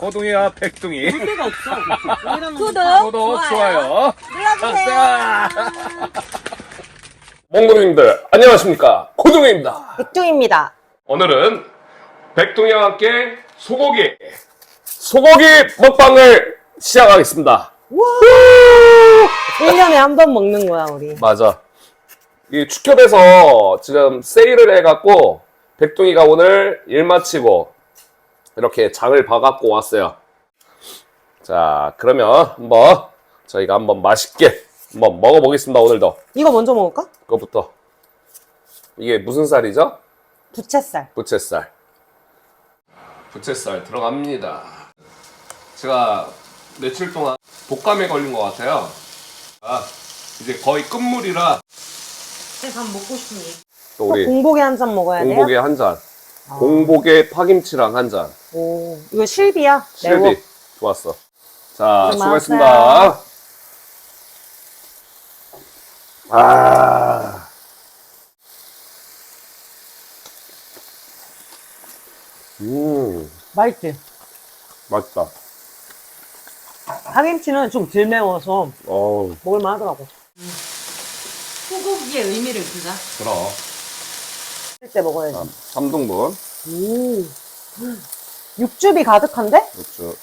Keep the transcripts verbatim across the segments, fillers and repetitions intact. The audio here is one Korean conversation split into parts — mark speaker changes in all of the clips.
Speaker 1: 고동이와 백동이.
Speaker 2: 볼 데가 없어.
Speaker 3: 구독,
Speaker 1: 구독, 좋아요.
Speaker 3: 눌러주세요.
Speaker 4: 몽골인들 안녕하십니까, 고동입니다.
Speaker 3: 백종입니다.
Speaker 4: 오늘은 백동이와 함께 소고기 소고기 먹방을 시작하겠습니다.
Speaker 3: 일 년에 한 번 먹는 거야, 우리.
Speaker 4: 맞아. 이 축협에서 지금 세일을 해갖고 백동이가 오늘 일 마치고 이렇게 장을 봐갖고 왔어요. 자, 그러면 한번 저희가 한번 맛있게 한번 먹어보겠습니다. 오늘도
Speaker 3: 이거 먼저 먹을까?
Speaker 4: 그거부터. 이게 무슨 쌀이죠?
Speaker 3: 부채살.
Speaker 4: 부채살. 부채살 들어갑니다. 제가 며칠 동안 독감에 걸린 것 같아요. 아, 이제 거의 끝물이라
Speaker 3: 밥 먹고 싶니?
Speaker 4: 또 우리
Speaker 3: 공복에 한 잔 먹어야 돼요?
Speaker 4: 공복에 한 잔. 공복에 파김치랑 한 잔.
Speaker 3: 오, 이거 실비야? 매워.
Speaker 4: 실비. 좋았어. 자,
Speaker 3: 고마워요.
Speaker 4: 수고했습니다. 아. 음,
Speaker 3: 맛있지?
Speaker 4: 맛있다.
Speaker 3: 파김치는 좀 덜 매워서
Speaker 4: 어우,
Speaker 3: 먹을만 하더라고.
Speaker 2: 소고기의 의미를 주자.
Speaker 4: 그럼.
Speaker 3: 할 때 먹어야지.
Speaker 4: 삼 등분.
Speaker 3: 오. 육즙이 가득한데?
Speaker 4: 육즙.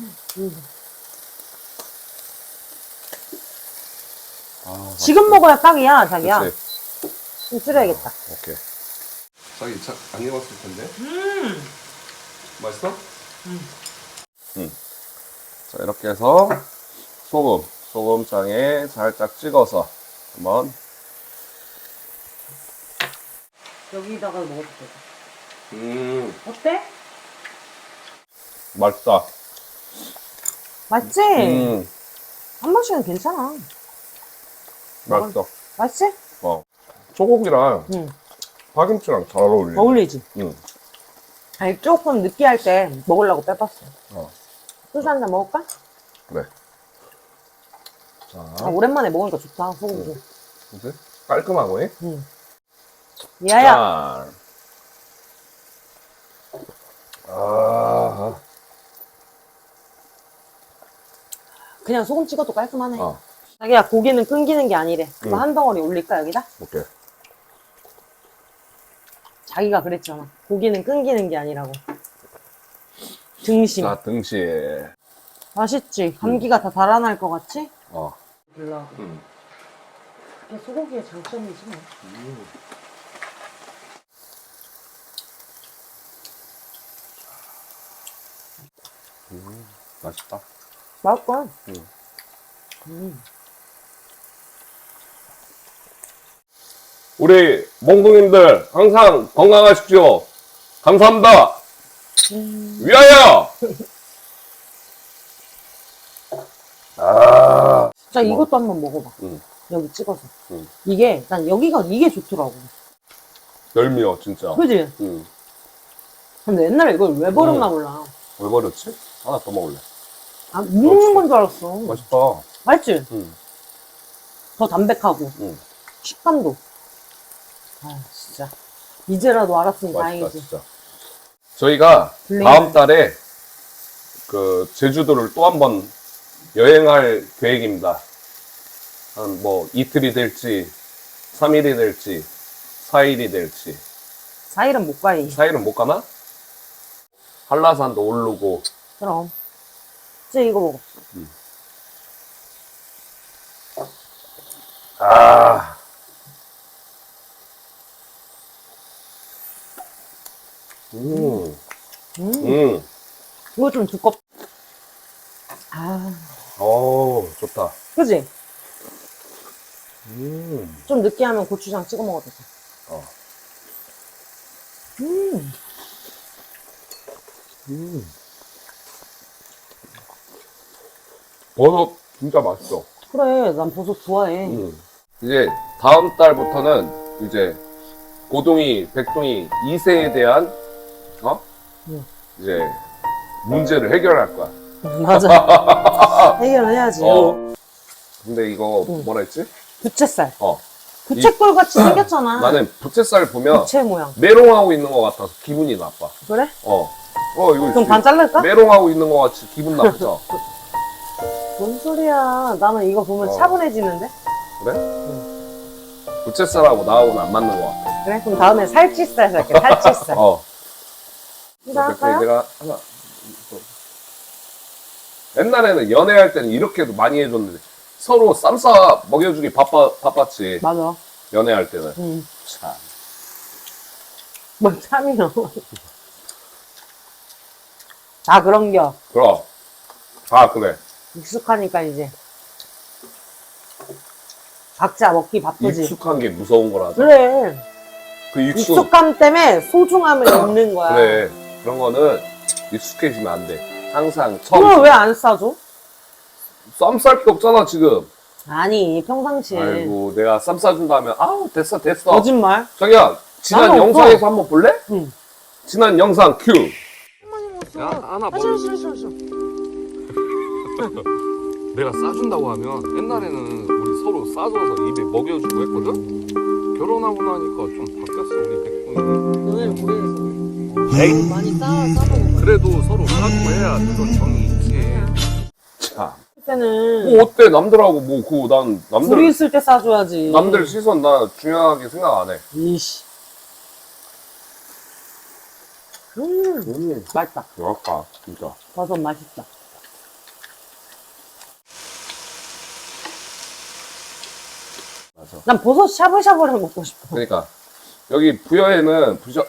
Speaker 4: 아,
Speaker 3: 지금 먹어야 딱이야, 자기야.
Speaker 4: 그치.
Speaker 3: 좀 줄여야겠다.
Speaker 4: 오케이. 자기 차, 안 익었을 텐데.
Speaker 3: 음.
Speaker 4: 맛있어? 음. 음. 자, 이렇게 해서 소금, 소금장에 살짝 찍어서 한번.
Speaker 3: 여기다가 먹어볼게.
Speaker 4: 음,
Speaker 3: 어때?
Speaker 4: 맛있다.
Speaker 3: 맛있지?
Speaker 4: 음,
Speaker 3: 한 번씩은 괜찮아.
Speaker 4: 맛있어.
Speaker 3: 맛있지?
Speaker 4: 어. 소고기랑
Speaker 3: 응.
Speaker 4: 파김치랑 잘 어울리네.
Speaker 3: 어울리지?
Speaker 4: 응.
Speaker 3: 아니, 조금 느끼할 때 먹으려고 빼봤어.
Speaker 4: 어,
Speaker 3: 소주 한 잔 먹을까?
Speaker 4: 그래. 자,
Speaker 3: 아, 오랜만에 먹으니까 좋다, 소고기.
Speaker 4: 이제 깔끔하고, 해?
Speaker 3: 응. 야야.
Speaker 4: 자. 아,
Speaker 3: 그냥 소금 찍어도 깔끔하네.
Speaker 4: 어,
Speaker 3: 자기야, 고기는 끊기는 게 아니래. 그거
Speaker 4: 응.
Speaker 3: 한 덩어리 올릴까, 여기다?
Speaker 4: 오케이.
Speaker 3: 자기가 그랬잖아. 고기는 끊기는 게 아니라고. 등심.
Speaker 4: 자, 등심.
Speaker 3: 맛있지? 감기가 다 달아날 것 같지?
Speaker 4: 어.
Speaker 3: 몰라.
Speaker 4: 음.
Speaker 3: 이게 소고기의 장점이지 뭐.
Speaker 4: 음, 맛있다.
Speaker 3: 맛있다.
Speaker 4: 음.
Speaker 3: 음.
Speaker 4: 우리 몽둥이들 항상 건강하십시오. 감사합니다.
Speaker 3: 음.
Speaker 4: 위하여! 아,
Speaker 3: 자, 이것도 한번 먹어봐.
Speaker 4: 음.
Speaker 3: 여기 찍어서.
Speaker 4: 음.
Speaker 3: 이게, 난 여기가, 이게 좋더라고.
Speaker 4: 멸미워, 진짜.
Speaker 3: 그지?
Speaker 4: 음.
Speaker 3: 근데 옛날에 이걸 왜 버렸나 몰라.
Speaker 4: 왜 버렸지? 하나 더 먹을래.
Speaker 3: 아, 먹는 건 줄 알았어.
Speaker 4: 맛있다.
Speaker 3: 맛있지?
Speaker 4: 음.
Speaker 3: 더 담백하고.
Speaker 4: 음.
Speaker 3: 식감도. 아, 진짜. 이제라도 알았으니
Speaker 4: 맛있다,
Speaker 3: 다행이지.
Speaker 4: 진짜. 저희가
Speaker 3: 블레이드.
Speaker 4: 다음 달에 그 제주도를 또 한 번 여행할 계획입니다. 한 뭐 이틀이 될지, 삼 일이 될지, 사 일이 될지.
Speaker 3: 사 일은 못 가니.
Speaker 4: 사 일은 못 가나? 한라산도 오르고.
Speaker 3: 그럼. 이제 이거 먹어.
Speaker 4: 아. 음.
Speaker 3: 음.
Speaker 4: 음.
Speaker 3: 이거 좀 두껍. 아,
Speaker 4: 오, 좋다.
Speaker 3: 그지?
Speaker 4: 음.
Speaker 3: 좀 느끼하면 고추장 찍어 먹어도 돼.
Speaker 4: 어.
Speaker 3: 음.
Speaker 4: 음. 버섯 진짜 맛있어.
Speaker 3: 그래, 난 버섯 좋아해.
Speaker 4: 음. 이제 다음 달부터는 이제 고동이, 백동이 이 세에 대한 어?
Speaker 3: 음.
Speaker 4: 이제 문제를 해결할 거야.
Speaker 3: 맞아. 해결해야지.
Speaker 4: 어. 근데 이거
Speaker 3: 음.
Speaker 4: 뭐라 했지?
Speaker 3: 부채살.
Speaker 4: 어.
Speaker 3: 부채꼴 같이 생겼잖아.
Speaker 4: 나는 부채살 보면
Speaker 3: 부채 모양.
Speaker 4: 메롱하고 있는 것 같아서 기분이 나빠.
Speaker 3: 그래?
Speaker 4: 어. 어 이거
Speaker 3: 그럼 반 자를까?
Speaker 4: 메롱하고 있는 것 같이 기분 나쁘죠?
Speaker 3: 뭔 소리야. 나는 이거 보면
Speaker 4: 어.
Speaker 3: 차분해지는데?
Speaker 4: 그래? 부채살하고 나하고는 안 맞는 것 같아.
Speaker 3: 그래? 그럼 다음에 살치살 살게, 살치살.
Speaker 4: 어.
Speaker 3: 이거 할까요?
Speaker 4: 내가 하나. 옛날에는 연애할 때는 이렇게도 많이 해줬는데 서로 쌈 싸 먹여주기 바빠, 바빴지.
Speaker 3: 맞아.
Speaker 4: 연애할 때는.
Speaker 3: 응.
Speaker 4: 참.
Speaker 3: 뭐 참이요. 다 그런겨.
Speaker 4: 그럼. 아, 그래.
Speaker 3: 익숙하니까 이제. 각자 먹기 바쁘지.
Speaker 4: 익숙한 게 무서운 거라서.
Speaker 3: 그래.
Speaker 4: 그 익숙.
Speaker 3: 익숙함 때문에 소중함을 잃는 거야.
Speaker 4: 그래. 그런 거는 익숙해지면 안 돼. 항상 처음.
Speaker 3: 그걸 왜 안 싸줘?
Speaker 4: 쌈 쌀 게 없잖아, 지금.
Speaker 3: 아니, 평상시에.
Speaker 4: 아이고, 내가 쌈 싸준다 하면, 아우, 됐어, 됐어.
Speaker 3: 거짓말?
Speaker 4: 자기야, 지난
Speaker 3: 나는
Speaker 4: 영상에서
Speaker 3: 없어.
Speaker 4: 한번 볼래?
Speaker 3: 응.
Speaker 4: 지난 영상 큐.
Speaker 3: 야,
Speaker 4: 하나
Speaker 3: 싫어, 싫어, 싫어, 싫어.
Speaker 4: 내가 싸준다고 하면 옛날에는 우리 서로 싸줘서 입에 먹여주고 했거든? 결혼하고 나니까 좀 바뀌었어, 우리 백분이.
Speaker 3: 너네는 모르겠어.
Speaker 4: 에이,
Speaker 3: 많이 싸, 싸먹어.
Speaker 4: 그래도 서로 싸주고 해야 그런 정이 있지. 참.
Speaker 3: 그때는
Speaker 4: 뭐 어때, 남들하고 뭐, 그거 난,
Speaker 3: 둘이
Speaker 4: 남들,
Speaker 3: 있을 때 싸줘야지.
Speaker 4: 남들 시선 나 중요하게 생각 안 해.
Speaker 3: 이씨. 음,
Speaker 4: 음,
Speaker 3: 맛있다.
Speaker 4: 뭐랄까, 진짜.
Speaker 3: 버섯 맛있다.
Speaker 4: 맞아.
Speaker 3: 난 버섯 샤브샤브를 먹고 싶어.
Speaker 4: 그러니까, 여기 부여에는 부셔,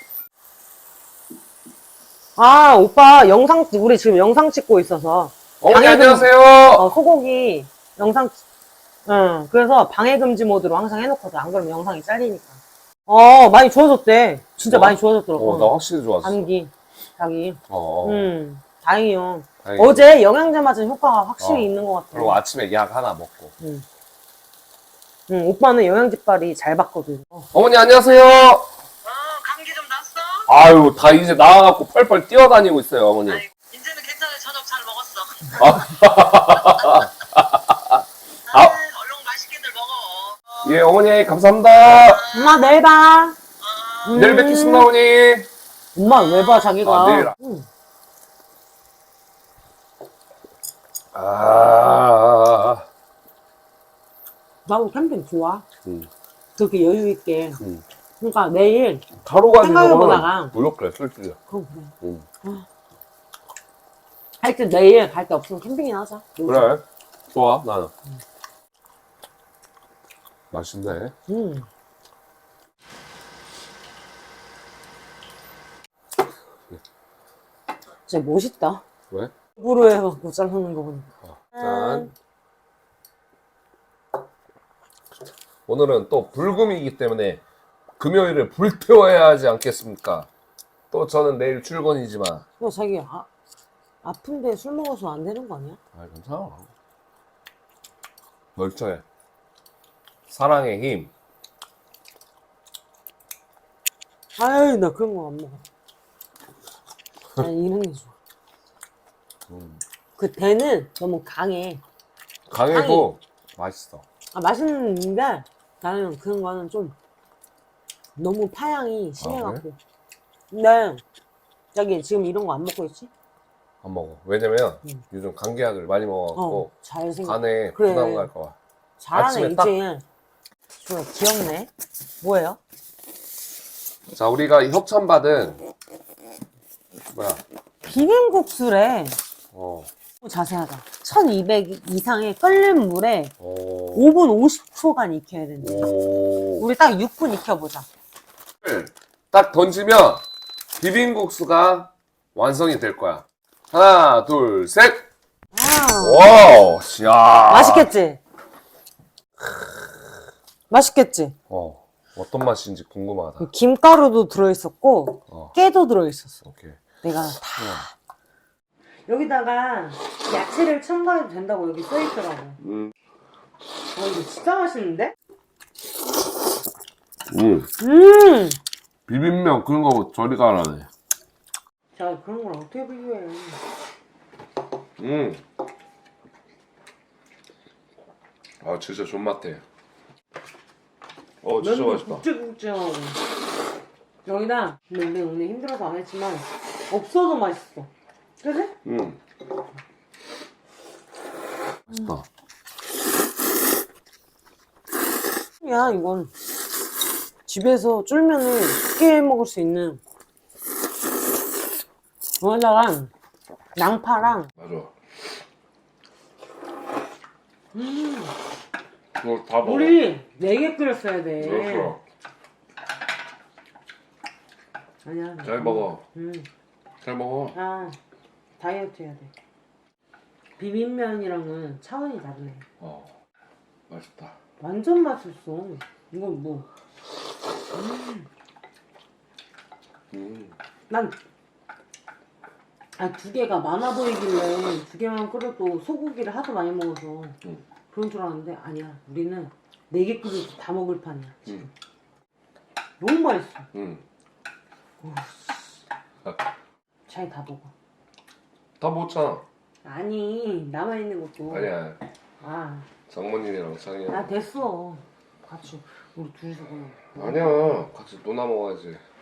Speaker 3: 아, 오빠 영상, 우리 지금 영상 찍고 있어서.
Speaker 4: 어머니
Speaker 3: 방해금-
Speaker 4: 안녕하세요.
Speaker 3: 어, 소고기 영상, 응, 그래서 방해금지 모드로 항상 해놓거든. 안 그러면 영상이 잘리니까. 어, 많이 좋아졌대. 진짜
Speaker 4: 뭐?
Speaker 3: 많이 좋아졌더라고.
Speaker 4: 어, 나 확실히 좋았어.
Speaker 3: 감기, 자기.
Speaker 4: 어, 어.
Speaker 3: 응, 다행이요.
Speaker 4: 다행이다.
Speaker 3: 어제 영양제 맞은 효과가 확실히
Speaker 4: 어.
Speaker 3: 있는 것 같아.
Speaker 4: 그리고 아침에 약 하나 먹고.
Speaker 3: 응. 응, 오빠는 영양제빨이 잘 받거든. 어.
Speaker 4: 어머니 안녕하세요.
Speaker 2: 어, 감기 좀 났어?
Speaker 4: 아유, 다 이제 나와갖고 펄펄 뛰어다니고 있어요, 어머니.
Speaker 2: 아이고, 이제는 괜찮아. 저녁 잘 먹었어. 아, 얼른 맛있게들 먹어. 어,
Speaker 4: 예, 어머니 감사합니다.
Speaker 3: 엄마, 내일 봐. 음.
Speaker 4: 내일 뵙겠습니다, 어머니.
Speaker 3: 엄마, 왜 봐, 자기가.
Speaker 4: 아, 내일.
Speaker 3: 응.
Speaker 4: 아,
Speaker 3: 나도 캠핑 좋아.
Speaker 4: 음,
Speaker 3: 그렇게 여유있게.
Speaker 4: 음.
Speaker 3: 그러니까 내일,
Speaker 4: 가루 가지고
Speaker 3: 생각해보다가.
Speaker 4: 무력해, 솔직히.
Speaker 3: 그럼 그래.
Speaker 4: 음.
Speaker 3: 하여튼 내일 갈 데 없으면 캠핑이나 하자.
Speaker 4: 그래, 좋아, 나는. 맛있네.
Speaker 3: 음. 진짜 멋있다.
Speaker 4: 왜?
Speaker 3: 입으로 해갖고 자르는 거 보니까.
Speaker 4: 어, 짠. 오늘은 또 불금이기 때문에 금요일을 불태워야 하지 않겠습니까? 또 저는 내일 출근이지만.
Speaker 3: 야, 자기, 아, 아픈데 술 먹어서 안 되는 거 아니야?
Speaker 4: 아, 괜찮아. 멀쩡해. 사랑의 힘.
Speaker 3: 아유, 나 그런 거 안 먹어. 난 이런 게 좋아.
Speaker 4: 음.
Speaker 3: 그 대는 너무 강해.
Speaker 4: 강해도 맛있어.
Speaker 3: 아, 맛있는데 나는 그런 거는 좀 너무 파향이 심해갖고. 근데 자기 지금 이런 거 안 먹고 있지?
Speaker 4: 안 먹어. 왜냐면
Speaker 3: 음.
Speaker 4: 요즘 감기약을 많이 먹어갖고
Speaker 3: 어, 잘 생각.
Speaker 4: 간에
Speaker 3: 그래.
Speaker 4: 부담 갈까봐.
Speaker 3: 잘하네
Speaker 4: 아침에 딱-
Speaker 3: 이제. 좋아, 귀엽네. 뭐예요?
Speaker 4: 자, 우리가 이 협찬받은 뭐야?
Speaker 3: 비빔국수래.
Speaker 4: 어.
Speaker 3: 자세하다. 천이백 이상의 끓는 물에
Speaker 4: 오.
Speaker 3: 오 분 오십 초간 익혀야 된다.
Speaker 4: 오.
Speaker 3: 우리 딱 육 분 익혀보자.
Speaker 4: 딱 던지면 비빔국수가 완성이 될 거야. 하나, 둘, 셋.
Speaker 3: 아,
Speaker 4: 와우. 야.
Speaker 3: 맛있겠지? 맛있겠지?
Speaker 4: 어. 어떤 맛인지 궁금하다.
Speaker 3: 그 김가루도 들어있었고
Speaker 4: 어.
Speaker 3: 깨도 들어있었어.
Speaker 4: 오케이.
Speaker 3: 내가 다. 여기다가 야채를 첨가해도 된다고 여기 써있더라고.
Speaker 4: 음.
Speaker 3: 어, 이거 진짜 맛있는데?
Speaker 4: 음.
Speaker 3: 음!
Speaker 4: 비빔면 그런 거 저리가 안 하네.
Speaker 3: 자, 그런 걸 어떻게 비교해.
Speaker 4: 음. 아, 진짜 존맛해. 어, 진짜
Speaker 3: 면도
Speaker 4: 맛있다.
Speaker 3: 굵직굵직하고. 여기다, 근데 우리 오늘 힘들어서 안 했지만 없어도 맛있어. 그래?
Speaker 4: 음. 맛있다.
Speaker 3: 야, 이건 집에서 쫄면을 쉽게 해 먹을 수 있는. 여기다가 양파랑
Speaker 4: 맞아.
Speaker 3: 음,
Speaker 4: 그거 다 먹어.
Speaker 3: 우리 네 개 끓였어야 돼.
Speaker 4: 그렇죠.
Speaker 3: 아니야.
Speaker 4: 잘 먹어.
Speaker 3: 음,
Speaker 4: 잘 먹어.
Speaker 3: 아, 다이어트 해야 돼. 비빔면이랑은 차원이 다르네.
Speaker 4: 어. 맛있다.
Speaker 3: 완전 맛있어. 이건 뭐?
Speaker 4: 음.
Speaker 3: 난, 아, 두 개가 많아 보이길래 두 개만 끓여도 소고기를 하도 많이 먹어서
Speaker 4: 음.
Speaker 3: 그런 줄 알았는데 아니야. 우리는 네 개 끓여도 다 먹을 판이야. 지금.
Speaker 4: 음.
Speaker 3: 너무 맛있어.
Speaker 4: 음.
Speaker 3: 오,
Speaker 4: 아,
Speaker 3: 잘 다 먹어.
Speaker 4: 다 먹었잖아.
Speaker 3: 아니, 남아있는 것도.
Speaker 4: 아니야.
Speaker 3: 아,
Speaker 4: 장모님이랑 창이랑.
Speaker 3: 아, 됐어. 같이, 우리 둘이서 그냥.
Speaker 4: 아니야. 같이 노나 먹어야지.